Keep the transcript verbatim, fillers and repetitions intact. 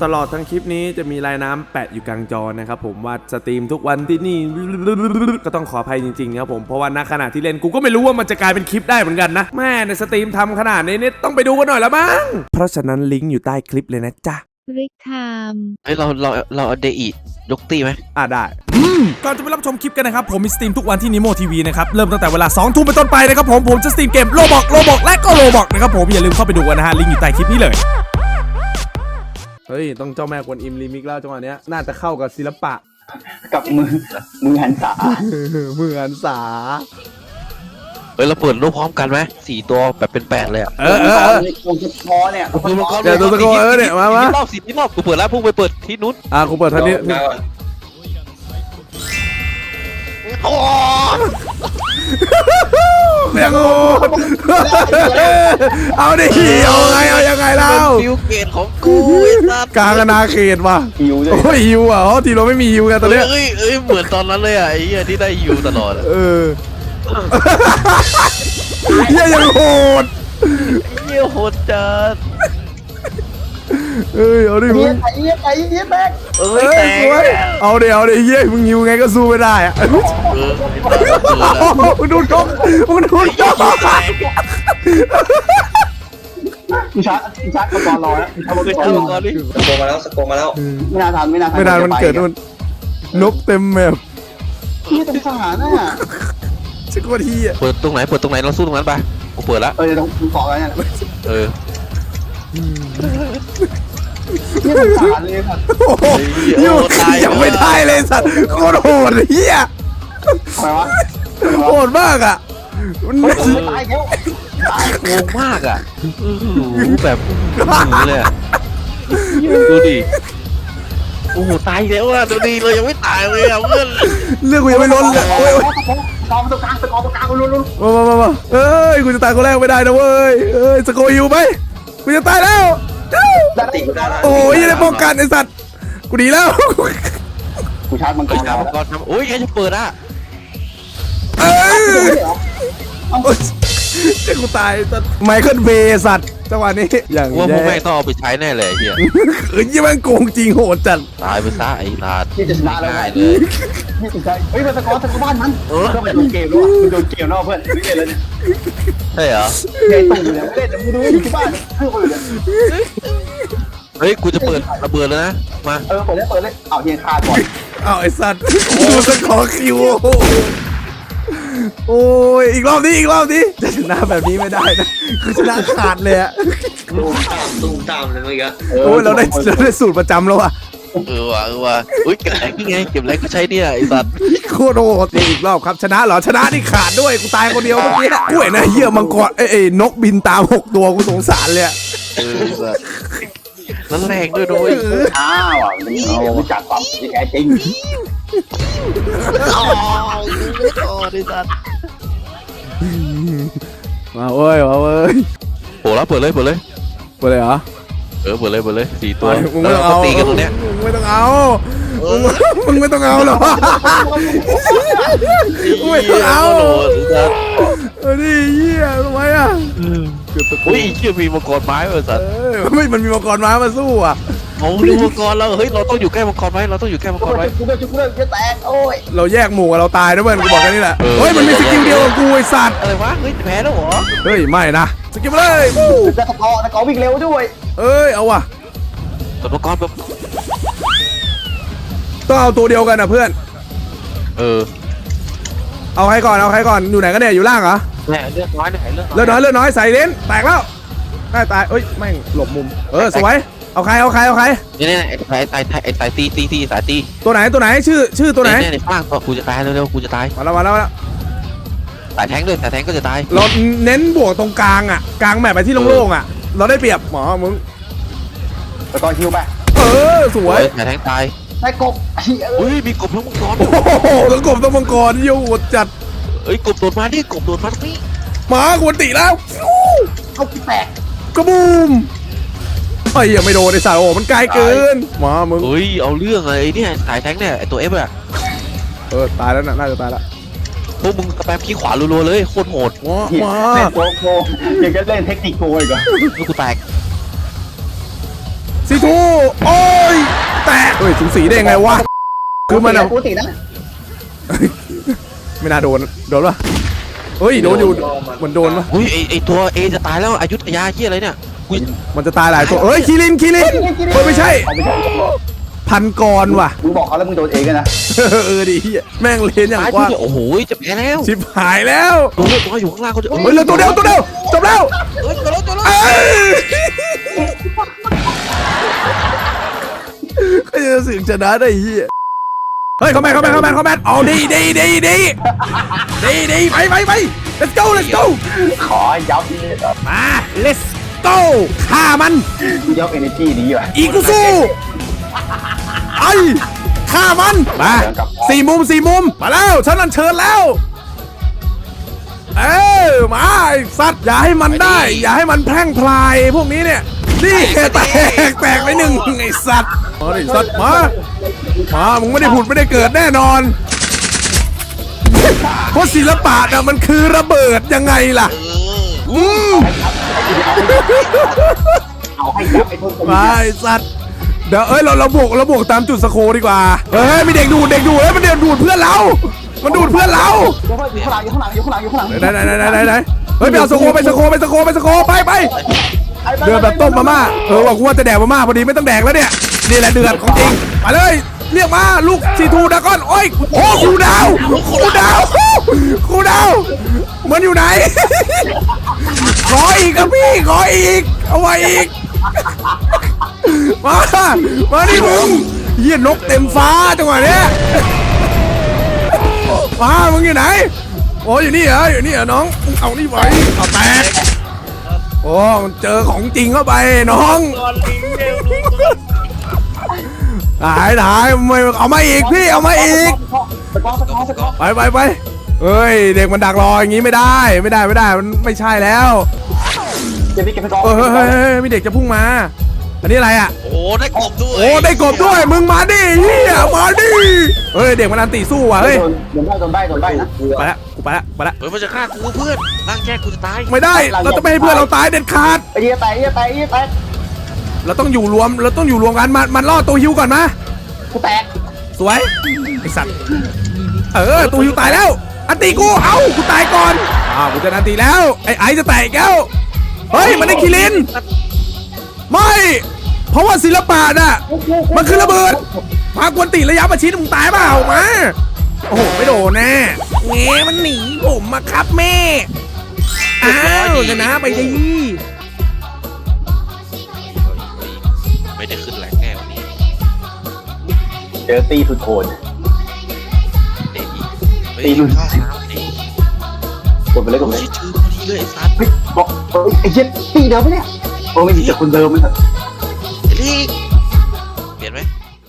ตลอดทั้งคลิปนี้จะมีลายน้ำแปะอยู่กลางจอนะครับผมว่าสตรีมทุกวันที่นี่ก็ต้องขออภัยจริงๆครับผมเพราะว่าณขณะที่เล่นกูก็ไม่รู้ว่ามันจะกลายเป็นคลิปได้เหมือนกันนะแม่ในสตรีมทำขนาดนี้เนี่ยต้องไปดูกันหน่อยละมั้งเพราะฉะนั้นลิงก์อยู่ใต้คลิปเลยนะจ๊ะริกไทม์เฮ้ยเราเราเราเอาเดอียกตีไหมอ่ะได้ก่อนจะไปรับชมคลิปกันนะครับผมมีสตรีมทุกวันที่นิโมทีวีนะครับเริ่มตั้งแต่เวลาสองทุ่มเป็นต้นไปนะครับผมผมจะสตรีมเกมโลบอกโลบอกและก็โลบอกนะครับผมอย่าลืมเข้าไปดูกันนะฮะลิงก์อยู่ใต้คลิปนี้เลยเฮ้ยต้องเจ้าแม่กวนอิมรีมิกแล้วจังหวะนี้น่าจะเข้ากับศิลปะกับมือมือหันษามือหันษาเฮ้ยเราเปิดรูปพร้อมกันไหมสี่ตัวแบบเป็นแปดเลยอ่ะเออเออเออคงจะพอเนี่ยเดี๋ยวตัวตะโกนเออเนี่ยมามารอบสี่ที่รอบกูเปิดแล้วพุ่งไปเปิดที่นู้นอ่ะกูเปิดท่านี้โอ้แม่งโง่เอาดิเอาไงเอายังไงเล่าฟิวเกตของกูกลางนาเขตว่ะโอ้ยฮิวอ่ะอ๋อทีเราไม่มีฮิวกันตอนนี้เอ้ยเอ้ยเหมือนตอนนั้นเลยอ่ะไอ้เหี้ยที่ได้ฮิวตลอดเออเหี้ยยังโหดเหี้ยโหดจัดเอ้ยเอาดิมึงไปเยี่ยไปเยี่ยแบกเอ้ยแตกเอาดิเอาดิเฮ้ยมึงฮิวไงก็สู้ไม่ได้อะมึงดูกล้องมึงดูกล้องกูชาร์จกูชาร์จก่อนรอแล้วทำมาก่อนดิสโกมาแล้วสโกมาแล้วไม่น่าทันไม่น่าทันไม่นานมันเกิดนู่นนกเต็มแมพนี่เป็นทหารน่ะชิโกทีอ่ะเปิดตรงไหนเปิดตรงไหนเราสู้ตรงนั้นไปกูเปิดแล้วเออต้องเกาะอะไรเนี่ยเออนี่เป็นทหารเลยครับโอ้โหยังไม่ได้เลยสัตว์โคตรโหดเฮียอะไรวะโหดมากอ่ะมันตายแล้วงงมากอ่ะแบบนี้เลยดูดิโอ้โหตายแล้วอ่ะดูดิเรายังไม่ตายเลยอ่ะเพื่อนเรื่องกูยังไม่ล้นเลยโอ้ยกองตรงกลางตะกองตรงกลางลุ้นๆมามามาเอ้ยกูจะตายคนแรกไม่ได้นะเว้ยเอ้ยสโกยูไหมกูจะตายแล้วโอ้ยยังได้ป้องกันไอ้สัตว์กูดีแล้วกูชาร์จมังกรชาร์จมังกรโอ้ยใครจะเปิดอ่ะเอ้ยเจ้ากูตายสัตว์ไมเคิลเบย์สัตว์จังหวะนี้อย่างว่าพวกแม่งต้องเอาไปใช้แน่เลยเฮียเอ้ยยังแม่งโกงจริงโหดจัดตายไปซะไอ้ลาดที่จะชนะแล้วเลยนี่เป็นใครเฮ้ยมันตะกอนตะกอนบ้านมันเออมันโดนเกมแล้วมันโดนเกมแล้วเพื่อนไม่เล่นแล้วเนี่ยใช่เหรอเล่นตู่เนี่ยเล่นแต่มึงดูอยู่ที่บ้านเพื่อนคนอื่นเฮ้ยกูจะเปิดระเบิดแล้วนะมาเออเปิดเลยเปิดเลยเอาเฮียคาก่อนเอาไอ้สัตว์ดูสกอร์คิวโอ้ยอีกรอบนี้อีกรอบนี้จะชนะแบบนี้ไม่ได้นะคือชนะขาดเลยอะตูมตามตูมตามเลยเมื่อกี้โอ้ยเราได้เราได้สูตรประจำแล้วอะเออว่ะเออว่ะอุ้ยเก็บแรงนี่ไงเก็บแรงก็ใช้เนี่ยไอ้สัตว์โคตรโหดอีกรอบครับชนะเหรอชนะนี่ขาดด้วยกูตายคนเดียวเมื่อกี้กูเห็นนะเหี้ยมังกรเอ้ยนกบินตามหกตัวกูสงสารเลยเออสัตว์นั่นแรงด้วยด้วยอ้าวเอาจัดความที่แท้จริงอ๋อโอ้ดิสัตว์มาเว้ยมาเว้ยโผล่แล้วเปิดเลยเปิดเลยเปิดเลยเหรอเออเปิดเลยเปิดเลยสี่ตัวมึงไม่ต้องเอาตีกันตรงเนี้ยมึงไม่ต้องเอามึงไม่ต้องเอาหรอไม่ต้องเอาเออนี่เหี้ยทำไมอ่ะอุ้ยเชื่อมีมังกรไม้เหรอสัตว์ไม่มันมีมังกรไม้มาสู้อ่ะเอาดูมังกรแล้วเฮ้ยเราต้องอยู่ใกล้มังกรไว้เราต้องอยู่ใกล้มังกรไว้กูเลิกกูเลิกจะแตกโอ้ยเราแยกหมู่เราตายนะเพื่อนกูบอกแค่นี้แหละเฮ้ยมันมีสกิลเดียวกับกูไอ้สัตว์อะไรวะเฮ้ยแพ้แล้วเหรอเฮ้ยไม่นะสกิลเลยจะตะกอตะกอวิ่งเร็วด้วยเอ้ยเอาว่ะตัวมังกรแบบต้องเอาตัวเดียวกันนะเพื่อนเออเอาใครก่อนเอาใครก่อนอยู่ไหนกันเนี่ยอยู่ล่างเหรอแหมเลือดน้อยหน่อยเลือดเลือดน้อยเลือดน้อยใส่เลนแตกแล้วได้ตายเอ้ยแม่งหลบมุมเออสวยเอาใครเอาใครเอาใครนี่นี่ไอ้ไอ้ไอ้ไอ้ไอ้ตีตีตีสายตีตัวไหนตัวไหนชื่อชื่อตัวไหนเนี่ยข้างตัวกูจะตายเร็วๆกูจะตายมาแล้วมาแล้วมาแล้วสายแทงด้วยสายแทงก็จะตายเราเน้นบวกตรงกลางอ่ะกลางแมปไปที่โล่งๆอ่ะเราได้เปรียบหมอมึงตะกอคิวไปเออสวยสายแทงตายได้กบอุ้ยมีกบทั้งมังกรโอ้โหทั้งกบทั้งมังกรโยดจัดเอ้ยกบโดดมาดิกบโดดมาตรงนี้หมาควรตีแล้วเอาแตกกระบูมไอ้ยังไม่โดนไอ้สาวโอ้มันไกลเกินหมามึงเฮ้ยเอาเรื่องอะไรเนี่ยสายแทงเนี่ยไอตัวเอฟอะเออตายแล้วน่ะน่าจะตายแล้วพวกมึงสแปมขี้ขวารัวๆเลยโคตรโหดมาเล่นโกโก้ยังจะเล่นเทคนิคโกอีกเหรอกูแตกซีทูโอ้ยสูสีได้ยังไงวะคือมันอะปกตินะไม่น่าโดนโดนปะเฮ้ยโดนอยู่มันโดนปะอุ้ยไอไอตัวเอจะตายแล้วอยุธยาเฮียอะไรเนี่ยอุ้ยมันจะตายหลายตัวเอ้ยคิรินคิรินเฮ้ยไม่ใช่เอาไม่ใช่พันกรว่ะมึงบอกเขาแล้วมึงโดนเองกันนะเออดิเหี้ยแม่งเลนอย่างตายกว้างที่โอ้โหจะแพ้แล้วชิบหายแล้วตัวเลือดตัวอยู่ข้างล่างเขาจะเฮ้ยเหลือตัวเดียวตัวเดียวจบแล้วเฮ้ยตัวเลือดตัวเลือดเอ้ยก็จะสึกชนะได้เหี้ยเฮ้ยเข้าแมนเข้าแมนเข้าแมนเข้าแมนเอาดีดีดีดีดีดีไปไปไป let's go let's go ขอยับนี่มา let's go ฆ่ามันยับเอเนจีดีว่ะอีกูสู้ไอ้ฆ่ามันมาสี่มุมสี่มุมมาแล้วฉันนันเชิญแล้วเออมาไอ้สัตว์อย่าให้มันได้ อย่าให้มันแพร่งพลายพวกนี้เนี่ยนี่แตกแตกไปหนึ่งไอ้สัตว์มาดิสัตว์มามามึงไม่ได้ผุดไม่ได้เกิดแน่นอนเพราะศิลปะน่ะมันคือระเบิดยังไงล่ะอืมเอาให้ยับไอ้ต้นมาไอ้สัตว์เดี๋ยวเอ้ยเราเราบวกเราบวกตามจุดสโคดีกว่าเฮ้ยมีเด็กดูดเด็กดูดเฮ้ยมันเด็กดูดเพื่อนเรา มันดูดเพื่อนเราอยู่ข้างหลังอยู่ข้างหลังอยู่ข้างหลังอยู่ข้างหลังไหนไหนไหนไหนไหนไหนเฮ้ยไปเอาสโคไปสโคไปสโคไปสโคไปไปเดือดแบบต้มมาม่าเออว่ากูว่าจะแดกมาม่าพอดีไม่ต้องแดกแล้วเนี่ยนี่แหละเดือดของจริงมาเลยเรียกมาลูกซีทูดากอนโอ้ยโอ้ครูดาวครูดาวครูดาวมันอยู่ไหนขออีกครับพี่ขออีกเอาไว้อีกมามาดิมึงเหี้ยนกเต็มฟ้าจังหวะเนี้ยมามึงอยู่ไหนโอ้อยู่นี่เหรออยู่นี่เหรอน้องเอานี่ไว้เอาแตกโอ้มันเจอของจริงเข้าไปน้องหายหายไม่เอามาอีกพี่เอามาอีกสกอร์สกอร์สกอร์ไปไปไปเอ้ยเด็กมันดักรออย่างงี้ไม่ได้ไม่ได้ไม่ได้มันไม่ใช่แล้วเก็บไปเก็บไปกองเออเฮ้ยเฮ้ยเฮ้ยมีเด็กจะพุ่งมาอันนี้อะไรอ่ะโอ้ได้กบด้วยโอ้ได้กบด้วยมึงมาดิเฮียมาดิเฮ้ยเด็กมันอันตีสู้ว่ะเฮ้ยโดนได้โดนได้โดนได้นะไปละกูไปละไปละเฮ้ยมันจะฆ่ากูเพื่อนร่างแค่กูจะตายไม่ได้เราจะไม่ให้เพื่อนเราตายเด็ดขาดไอ้เหี้ยแตกไอ้เหี้ยแตกไอ้เหี้ยแตกเราต้องอยู่รวมเราต้องอยู่รวมกันมันมันล่อตัวฮิวก่อนมากูแตกสวยไอสัตว์เออตัวฮิวตายแล้วอันตีกูเอ้ากูตายก่อนอ้าวกูจะอันตีแล้วไอ้ไอจะแตกแล้วเฮ้ยมันได้คิรินไม่เพราะว่าศิลปะน่ะมันคือระเบิดมากวนตีระยะประชิดมึงตายเปล่ามาโอ้โหไม่โดนแน่เงี้มันหนีผมมาครับแม่อ้าวชนะไปดิไม่ได้ขึ้นแรงแน่วันนี้เจอตีสุดโหดเด็กเฮ้ยข้าวสามดีกดไปเลยกดไปโอ้เลยยชื่อพอดีเลยไอ้สัตว์เฮ้ยบอกเฮ้ยไอ้เหี้ยตีเดิมปะเนี่ยโอ้ไม่ใช่คนเดิมไม่ใช่ลีก